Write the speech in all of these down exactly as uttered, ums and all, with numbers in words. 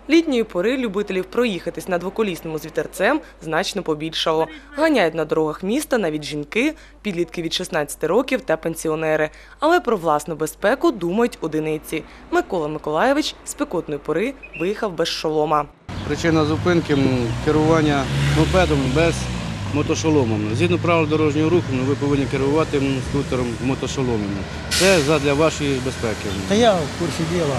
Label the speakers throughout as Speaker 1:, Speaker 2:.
Speaker 1: Літньої пори любителів проїхатись на двоколісному з вітерцем значно побільшало. Ганяють на дорогах міста навіть жінки, підлітки від шістнадцяти років та пенсіонери. Але про власну безпеку думають одиниці. Микола Миколаєвич з спекотної пори виїхав без шолома.
Speaker 2: Причина зупинки – керування мопедом без мотошолома. Згідно правил дорожнього руху, ви повинні керувати скутером мотошоломом. Це задля вашої безпеки.
Speaker 3: Та я в курсі діла.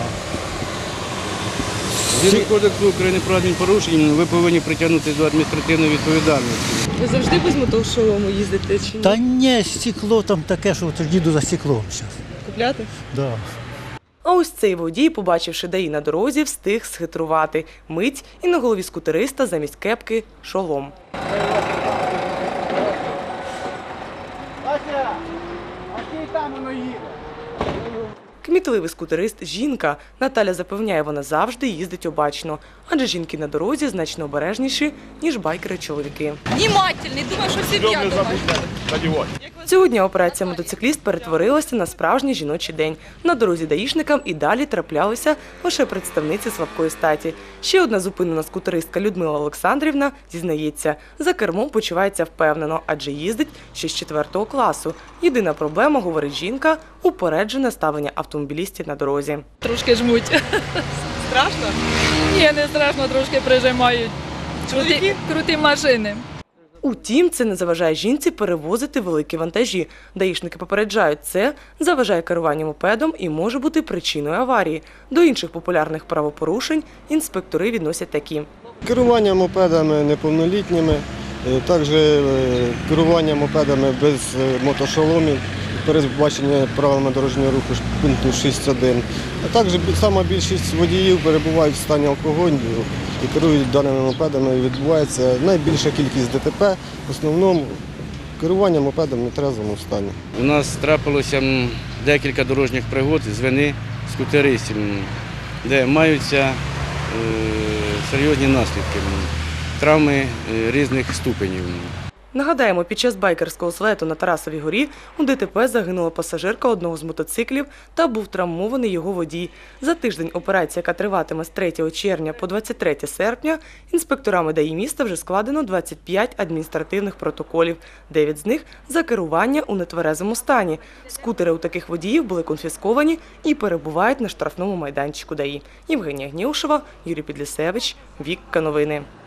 Speaker 2: Згідно Кодексу України про адмінпорушення, ви повинні притягнути до адміністративної відповідальності.
Speaker 1: Ви завжди без мотошолому їздите чи ні?
Speaker 3: Та ні, стекло там таке, що от їду за стеклом зараз.
Speaker 1: Купляти?
Speaker 3: Да.
Speaker 1: А ось цей водій, побачивши ДАІ на дорозі, встиг схитрувати. Мить і на голові скутериста замість кепки – шолом.
Speaker 4: Вася, а ти там воно їде?
Speaker 1: Кмітливий скутерист – жінка. Наталя запевняє, вона завжди їздить обачно. Адже жінки на дорозі значно обережніші, ніж байкери-чоловіки.
Speaker 5: Внимательний, думаю, що сім'я дома.
Speaker 1: Цього дня операція «Мотоцикліст» перетворилася на справжній жіночий день. На дорозі даїшникам і далі траплялися лише представниці слабкої статі. Ще одна зупинена скутеристка Людмила Олександрівна зізнається, за кермом почувається впевнено, адже їздить ще з четвертого класу. Єдина проблема, говорить жінка, упереджене ставлення автомобілістів на дорозі.
Speaker 5: Трошки жмуть.
Speaker 1: Страшно?
Speaker 5: Ні, не страшно, трошки прижимають. Круті, круті машини.
Speaker 1: Утім, це не заважає жінці перевозити великі вантажі. Даїшники попереджають, це заважає керуванню мопедом і може бути причиною аварії. До інших популярних правопорушень інспектори відносять такі.
Speaker 6: Керування мопедами неповнолітніми, також керування мопедами без мотошоломів, передбачення правилами дорожнього руху пункту шість один. А також сама більшість водіїв перебувають в стані алкогольного і керують даними мопедами. Відбувається найбільша кількість ДТП, в основному керування мопедом в нетрезвому стані.
Speaker 2: У нас трапилося декілька дорожніх пригод з вини скутеристів, де маються е, серйозні наслідки, травми різних ступенів.
Speaker 1: Нагадаємо, під час байкерського злету на Тарасовій горі у ДТП загинула пасажирка одного з мотоциклів та був травмований його водій. За тиждень операція, яка триватиме з третього червня по двадцять третє серпня, інспекторами ДАІ міста вже складено двадцять п'ять адміністративних протоколів, дев'ять з них за керування у нетверезому стані. Скутери у таких водіїв були конфісковані і перебувають на штрафному майданчику ДАІ. Євгенія Гнєушева, Юрій Підлісевич, Вікка Новини.